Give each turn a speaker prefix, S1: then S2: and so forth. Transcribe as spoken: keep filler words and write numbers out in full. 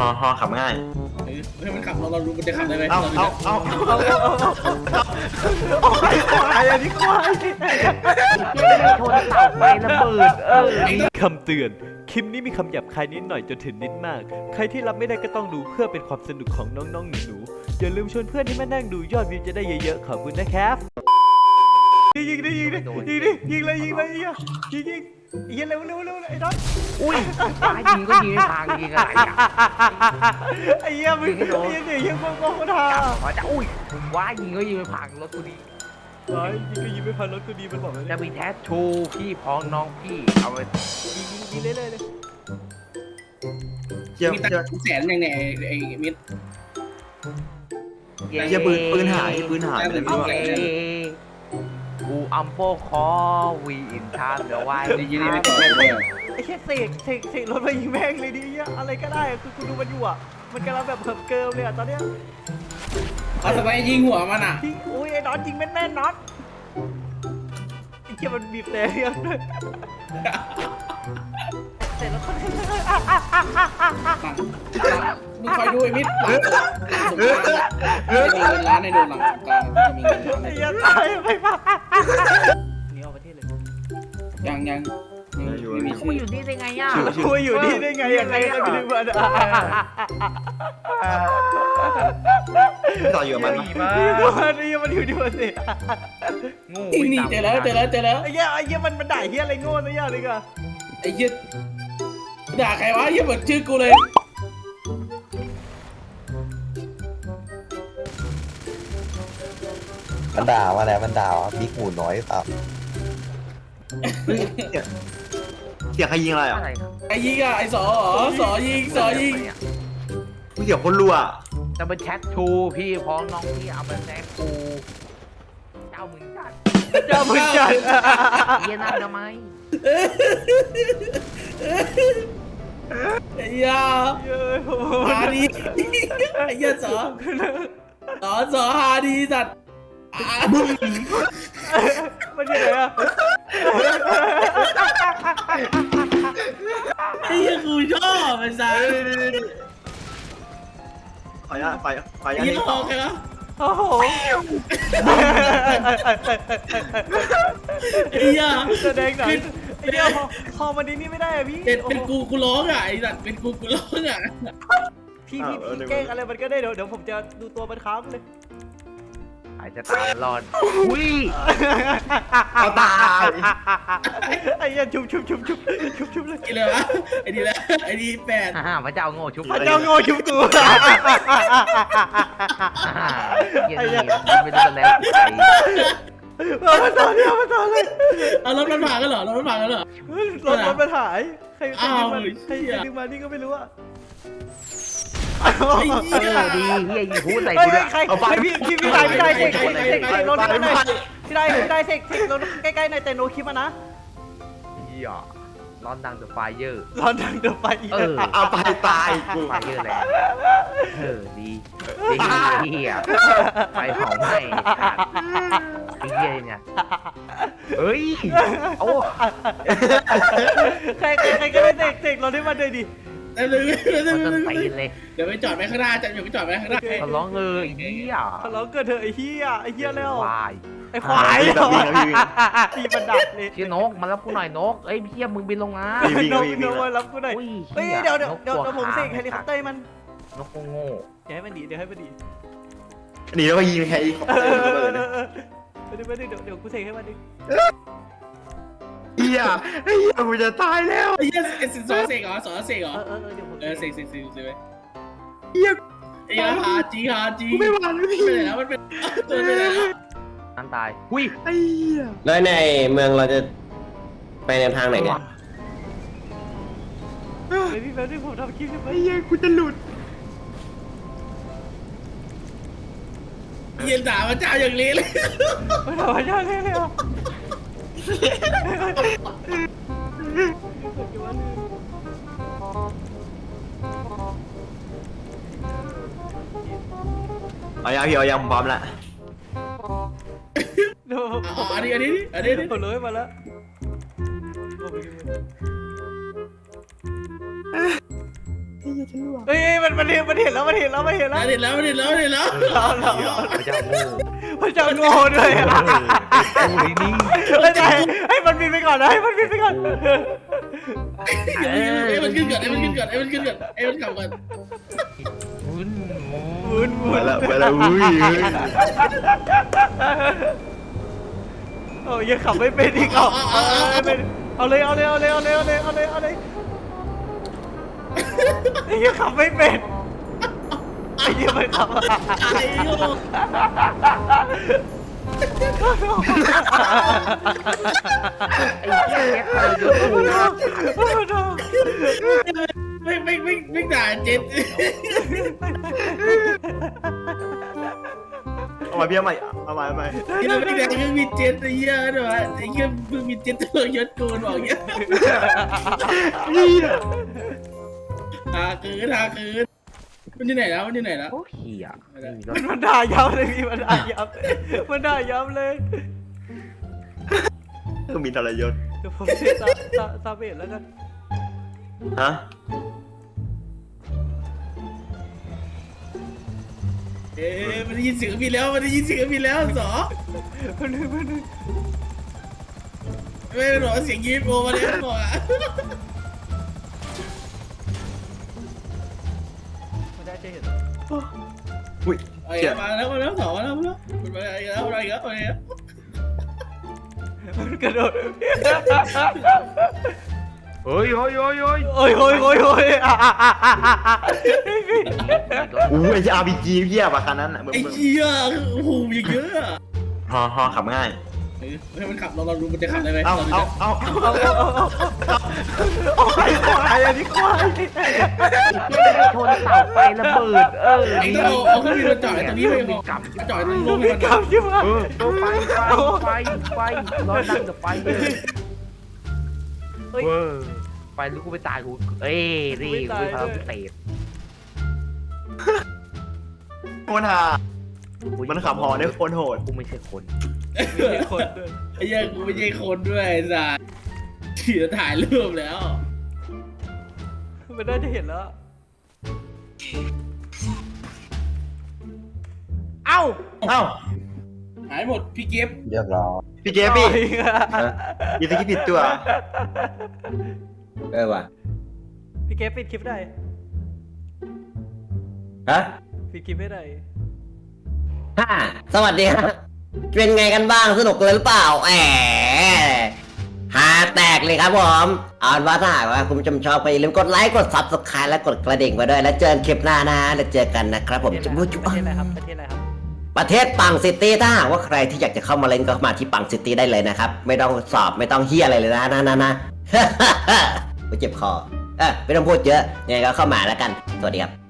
S1: อฮอขับง่าย
S2: ให้มันขับเราเรารู้มันจะขับได้ไหม
S1: เอาเอาเอาเอา
S3: เอาไปควายอันนี้ควายชนเสาไฟระเบิดเออคำเตือนคลิปนี้มีคำหยาบคายนิดหน่อยจนถึงนิดมากใครที่รับไม่ได้ก็ต้องดูเพื่อเป็นความสนุกของน้องๆหนูๆอย่าลืมชวนเพื่อนที่มานั่งดูยอดวิวจะได้เยอะๆขอบคุณนะครับยิงดิยิงดิยิงดิยิงเลยยิงเลยยิงยิงยิงยิงเร็วเร็วเร็วไอ้ดอน
S4: อุ้ยตายยิงก็ยิงไม่พังยิงอะไรอ่ะ
S3: ไอ้เหี้ยมึงยิงดิยิงมึงมึงมึงทา
S4: ว่าจะอุ้ยว้ายิงก็ยิงไม่พังรถกูดี
S3: ว้ายิงก็ยิงไม่พังรถกูดีมันบอกเลย
S4: จะมีแท้ชูพี่พ้องน้องพี่เอาไป
S3: ยิงยิงยิงเรื่อยๆเลย
S2: เจียมีตังแสนอย่างไงไอ้มิด
S1: เจียปืนปืนหายปืนหายอะไรไม่รู้
S4: กูอัมโปคอวีอินทามเดี๋ยวไว้
S2: ยิงไม่ตก
S3: ไอ้แค่เสกเสกเสกรถมายิงแม่งเลยดิอะไรก็ได้คือคุณดูมันอยู่อ่ะมันกำลังแบบเหิมเกิมเลยอ่ะตอนเนี้ย
S2: เอาทำไมยิงหัวมันอ่ะ
S3: โอ้ยไอ้น็อตยิงแม่นแม่นน็อตไอ้เจ้ามันบีบแต่เรียงด้วยเสร็จแล้วคน
S2: มึงคอยดูไอ้มิดมีเงินล้านในโดนหลังสงกรานต์จะมีเงินล้านใน
S3: ไอ้ยันตายไปป่ะหนีออกประเทศเลย
S2: ยังยัง
S4: มีคุยอยู่นี่ได้ไงอ่ะ
S3: คุยอยู่นี่ได้ไงยังไงก็ไม่รู้ว่า
S1: ต่ออยู่มัน
S3: มามันนี่มันอยู่ที่มันสิ
S4: งู
S2: นี่เจอแล้วเจอแล้วเจอแล้ว
S3: ไอ้เหี้ยไอ้เหี้ยมันมันด่าเหี้ยอะไรโง่ซะอย่างเลยก็
S2: ไอ้เหี้ยด่าใครวะเหี้ยเหมือนชื่อกูเลย
S5: มันด่ามาแล้วมันด่าว่าบิ๊กหมูน้อยเปล่า
S1: เสียงใครยิงอะไรอ่ะ
S2: ไอ้ยิงอ่ะไอ้สอสอยิงสอยิง
S1: เสียงคนรัว
S4: จะเป็นแชทชูพี่พ้องน้องพี่เอาไปแซงกูเจ้ามึงจัด
S3: เจ้ามึงจัด
S4: เย็นนั่งทำไม
S2: ไอ้ยาฮาดีไอ้ยาสอสอสอฮาดีสัตว์
S3: มันยังไงอะ
S2: ไอ้ยังกูชอบไอ้สัส
S1: ขออนุญาตไปขออนุญาต
S2: นี่ต่อใครวะ
S3: โอ้โห
S2: ไอ้ยา
S3: แสดงหนังไอ้เดียวพอมันนี่ไม่ได้อะพี่
S2: เป็นกูกูร้องอ่ะไอ้สัสเป็นกูกูร้องอ่ะ
S3: พี่พี่พี่แกล้งอะไรมันก็ได้เดี๋ยวเดี๋ยวผมจะดูตัวมันค้ำเลย
S4: อาจจะตามรอนอุ้ย
S1: เอาตาย
S3: ไอ้ยันชุบชุบชุบชุบชุบชุบเลย
S2: กี่เลยวะไอ้ดีแล้วไอ้ดีแปด
S4: ฮ่าพระเจ้าโง่ชุบ
S3: พระเจ้าโง่ชุบกู
S4: ไอ้ยันไม่รู้กันแล้ว
S3: เรามาต่อเนี่ยมาต่อเลย
S2: เอารถมันผ่านกันเหรอรถมันผ่านกันเหรอ
S3: รถรถมันหายใครใครดึงมาใครดึงมานี่ก็ไม่รู้อะ
S4: เออดีเฮียยิงพูดใส่กูด้วย
S3: เอาไปพี่พี่พี่ได้พี่ได้เสกเสกเสกรถพี่ได้พี่ได้พี่ได้เสกเสกรถใกล้ๆในแต่โนคลิปนะ
S4: เฮียร้อนดังเดอะไฟเยอร์
S3: ร้อนดังเดอะไฟ
S4: เออ
S1: เอาไปตาย
S4: กูไฟเยอร์แล้วเออดีดีเฮียไฟเผาไหม้ไอ้เฮียเนี่ยเฮ้ยโอ้
S3: ใครใครใครก็ได้เสกเสกรถให้มันเลยดิ
S2: เดี๋ยวเลยเ
S4: เดี๋
S2: ยวไปจอดไปข้างหน้าจะอยู่ไปจอดไปข้างหน้า
S4: เขาร้องเออไอ้เหี้ย
S3: เขาร้องเกิดเถอะไอ้เหี้ยไอ้เหี้ยแล้ว
S4: ควาย
S3: ไอ้ควายพี่บันดับเลย
S4: ชื่อนกมารับกูหน่อยนกเอ้ยพี่มึงบินลงมาน
S3: กนกมารับกูหน่อยเฮ้ยเดี๋ยวเดี๋ยวเดี๋ยวผมเสกเฮลิคอปเตอร์มัน
S4: นกโง่
S3: เดี๋ยวให้มันดีเดี๋ยวให้มันดี
S1: หนีแล้วก็ยิงแค่อีก
S3: เดี๋ยวเดี๋ยวเดี๋ยวกูเสกให้มันดิ
S1: เฮียไอ้เฮียกูจะตายแล้ว
S2: ไอ้เฮียเอสซอเสกเหรอสอเสกเหรอ
S3: เออเออเดี๋ยวผม
S2: เออเสกเสกเสกเสกไป
S1: เฮีย
S2: ไอ้ฮาจีฮาจี
S1: ไม่ไหวแล้วพี่
S2: ไปไหนแล้วมันเป็นตัวไปไหนแล้ว
S4: นั่นตายหุ้ย
S1: ไอ้เฮีย
S5: แล้วในเมืองเราจะไปในทางไหนเนี่ย
S3: ไอ้พี่แป๊บนึงผมทำคลิป
S1: ไอ้เฮียกูจะหลุด
S2: เย็นด่าพระเจ้าอย่างนี้เลย
S3: ไม่ด่าพระเจ้าเลยเลยอ่ะ
S1: เอายังพี่เอายังพร้อมแล้ว
S2: อันนี้อันนี้อันนี้
S3: ผมเลยมาแล้ว
S1: เ
S3: เฮ้ยมันมันเห็นมันเห็นแล้วมันเห็นแล้วมันเห็นแล้ว
S2: เด็ดแล้วเด็ดแล้วเด็ดแล้ว
S3: เอาเรา
S4: พระเจ้าโง่
S3: พระเจ้าโง่ด้วยอ่ะ
S4: โอ้ยนี่
S3: ไม่ได้ให้มันบินไปก่อนนะให้มันบินไปก่อน
S2: ไอ้มันขึ้นก่อนไอ้มันขึ้นก่อนไอ้มันขึ้นก่อนไอ้มันขับก่อน
S4: วุ้น
S3: วุ้นวุ้
S1: มาน แล้วมาแล้วอุ้ย
S3: โอ้ยยังขับไม่เป็นอีกเอาเอาเอาเป็นเอาเลยเอาเลยเอาเลยเอาเลยเอาเลยเอาเลยเอาเลยไอ้ยังขับไม่เป็นไอ้ยังไม่ขับ
S2: ไอ้โง่
S4: ไอ้เหี้ยแกทรยศกู
S2: ไม่ไม่ไม่ไม่ด่าเจ็ด
S1: เอามาพี่เอาใหม่เอาใหม่เอาใหม่
S2: ที่เราไม่ด่าเครื่องบินเจ็ตไอ้เหี้ยด้วยวะไอ้เครื่องบินเจ็ตตัวยศกูบอกอย่างเงี้ย
S1: เหี้ย
S2: หาคืนหาคืนมันอยู่ไหนแล้วมันอยู่ไหนแล้ว
S4: โอ้เหี้ยไม่มีรถ
S3: มันด่ายับเลยพี่มันด่ายับมันด่ายับเลย
S1: ต้องมีทรยศ
S3: เดี๋ยวผมเสียซาซาซาเบตแล้วกัน
S1: ฮะ
S2: เอ๊ะมันได้ยินเสียงมีแล้วมันได้ยินเสียงมีแล้วสอ
S3: มันนึงมันนึง
S2: ไม่หรอเสียงยิ้มโอมาแล้วบอกอ่ะ
S3: มันได้จะเห็น
S1: อุ้ย
S2: ไอ้
S1: เจ็บ
S2: มาแล้วมาแล้วสอมาแล้วมาแล้วมันมาอะไรแล้วอะไรแล้วอะไรแล้ว
S3: มันกระโดด
S4: เฮ้ยเฮ้ยเฮ้ยเฮ้ย
S3: โอ้ยโอ้ยโอ้ยโอ้ยอ่ะอ่ะอ่ะอ่ะอ่ะพี่
S1: อู้ไอ้อาร์พีจีเหี้ยป่ะคันนั้นอ่ะมึง
S2: ไอ้
S1: มึง
S2: เหี้ยโอ้โหอย่างเยอะอ่ะ
S1: ฮอฮอขับง่าย
S2: ให้มันขับเราเราดูมันจะขับได้ไหม
S1: เอาเอาเอาเอา
S3: เอาเอาเอาเอาเอาควายควายอันนี้ควาย
S4: ชนเสาไฟระเบิดเออ
S2: ไอ้ต้องเอาเอาเครื่องบินมาจอดตรงนี้ไป
S4: มี
S2: พอก
S4: ลับ
S2: จอดตรงลง
S3: มี
S2: มัน
S3: กำใช่ไหม
S4: เออเออไฟไฟไฟไฟร้อนนั่งกับไฟเลยเว้ยไฟลูกกูไปตายกูเอ้ยรีบกูพาไปเตะ
S1: โคตรฮามันขับฮอได้โคตรโหด
S4: กูไม่ใช่คน
S3: มีคนด้วย
S2: ไอ้เหี้ยกูไม่ใช่คนด้วยไอ้สัสเขียถ่ายรูปแล้ว
S3: มันได้จะเห็นแล้ว เอ้า
S1: เอ้า
S2: หายหมดพี่เก็บ
S1: พี่เจพี่ยีสกิปผิดตัว
S5: เออว่ะ
S3: พี่เก็บปิดคลิปได้
S5: ฮะ
S3: ปิดคลิปไม่ได้
S5: ฮ่าสวัสดีฮะเป็นไงกันบ้างสนุกเลยหรือเปล่าแหมหาแตกเลยครับผมเอาเป็นว่าถ้าหากว่าคุณผู้ชมชอบก็อย่าลืมกดไลค์กด ซับสไครบ์และกดกระดิ่งไปด้วยแล้วเจอกันคลิปหน้านะแล้วเจอกันนะครับผมจะพูดจุ๊
S3: ประเทศอะไรครับ ประเทศอะไรครับ
S5: ประเทศปังซิตี้ถ้าหากว่าใครที่อยากจะเข้ามาเล่นก็มาที่ปังซิตี้ได้เลยนะครับไม่ต้องสอบไม่ต้องเฮียอะไรเลยนะนะนะนะ กูเจ็บคอเออไม่ต้องพูดเยอะยังไงก็เข้ามาแล้วกันสวัสดีครับ